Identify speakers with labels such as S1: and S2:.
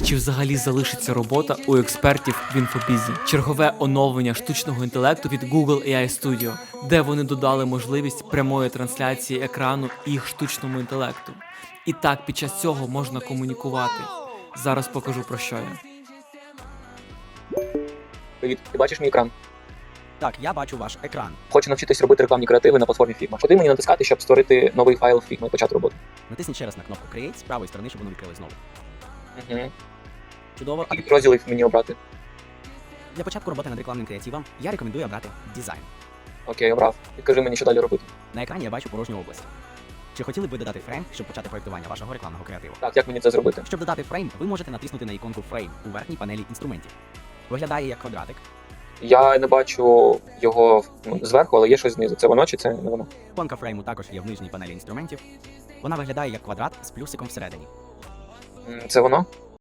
S1: чи взагалі залишиться робота у експертів в інфобізі? Чергове оновлення штучного інтелекту від Google AI Studio, де вони додали можливість прямої трансляції екрану їх штучному інтелекту. І так під час цього можна комунікувати. Зараз покажу, про що я.
S2: Привіт, ти бачиш мій екран?
S3: Так, я бачу ваш екран.
S2: Хочу навчитись робити рекламні креативи на платформі Figma. Куди мені натискати, щоб створити новий файл в Figma і почати роботу?
S3: Натисніть ще раз на кнопку Create з правої сторони, щоб воно відкрилось знову.
S2: Угу.
S3: Чудово.
S2: Які розділів мені обрати?
S3: Для початку роботи над рекламним креативом я рекомендую обрати дизайн.
S2: Окей, обрав. Підкажи мені, що далі робити.
S3: На екрані я бачу порожню область. Чи хотіли б ви додати фрейм, щоб почати проєктування вашого рекламного креативу?
S2: Так, як мені це зробити?
S3: Щоб додати фрейм, ви можете натиснути на іконку Frame у верхній панелі інструментів. Виглядає як квадратик.
S2: Я не бачу його зверху, але є щось знизу. Це воно чи це не воно?
S3: Іконка фрейму також є в нижній панелі інструментів. Вона виглядає як квадрат з плюсиком всередині.
S2: Це воно?